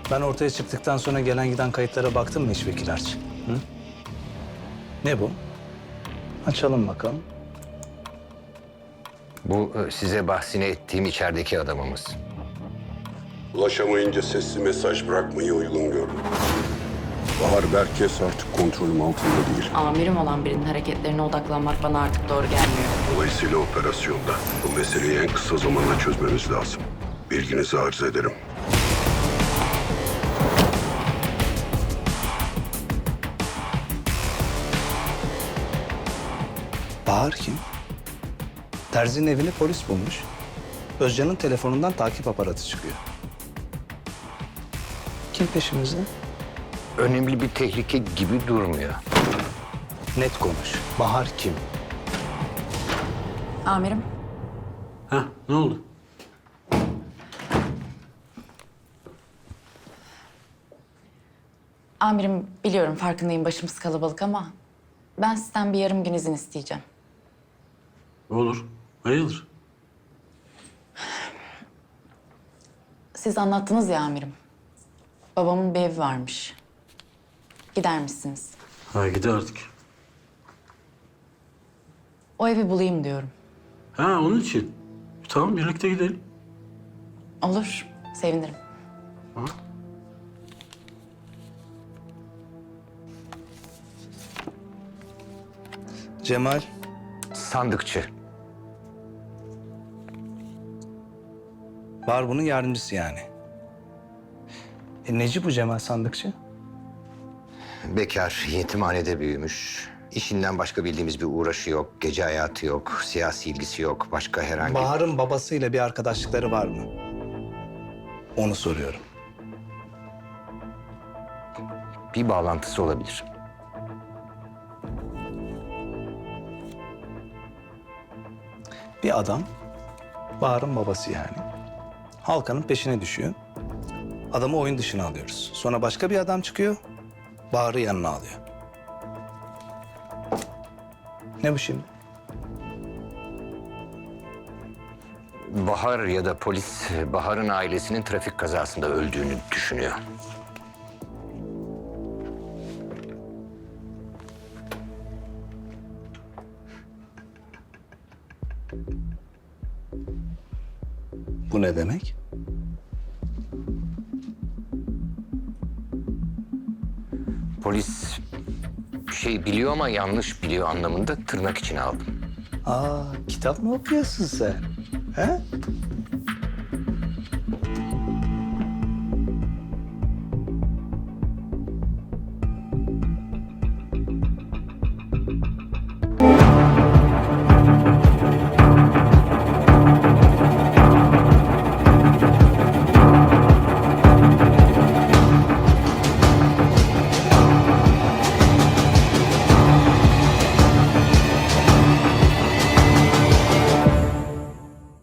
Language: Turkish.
Ben ortaya çıktıktan sonra gelen giden kayıtlara baktın mı hiç Vekil Arç? Hı? Ne bu? Açalım bakalım. Bu size bahsini ettiğim içerideki adamımız. Ulaşamayınca sesli mesaj bırakmayı uygun gördüm. Bahar Berkes artık kontrolüm altında değil. Amirim olan birinin hareketlerine odaklanmak bana artık doğru gelmiyor. Dolayısıyla operasyonda bu meseleyi en kısa zamanda çözmemiz lazım. Bilginizi arz ederim. Bahar kim? Terzi'nin evini polis bulmuş. Özcan'ın telefonundan takip aparatı çıkıyor. Kim peşimizde? Önemli bir tehlike gibi durmuyor. Net konuş. Bahar kim? Amirim, Ha, ne oldu? amirim biliyorum farkındayım başımız kalabalık ama ben sizden bir yarım gün izin isteyeceğim. Olur. Hayırdır? Siz anlattınız ya amirim. Babamın bir evi varmış. Gider misiniz? Ha, gidi artık. O evi bulayım diyorum. Ha, onun için. Tamam, birlikte gidelim. Olur, sevinirim. Cemal. Sandıkçı. Bahar bunun yardımcısı yani. Neci bu Cemal sandıkçı? Bekar, yetimhanede büyümüş. İşinden başka bildiğimiz bir uğraşı yok. Gece hayatı yok, siyasi ilgisi yok. Başka herhangi... Bahar'ın babasıyla bir arkadaşlıkları var mı? Onu soruyorum. Bir bağlantısı olabilir. Bir adam, Bahar'ın babası yani. Halkanın peşine düşüyor. Adamı oyun dışına alıyoruz. Sonra başka bir adam çıkıyor, Bahar'ı yanına alıyor. Ne bu şimdi? Bahar ya da polis Bahar'ın ailesinin trafik kazasında öldüğünü düşünüyor. Bu ne demek? Polis bir şey biliyor ama yanlış biliyor anlamında tırnak içine aldım. Aa, kitap mı okuyorsun sen? He?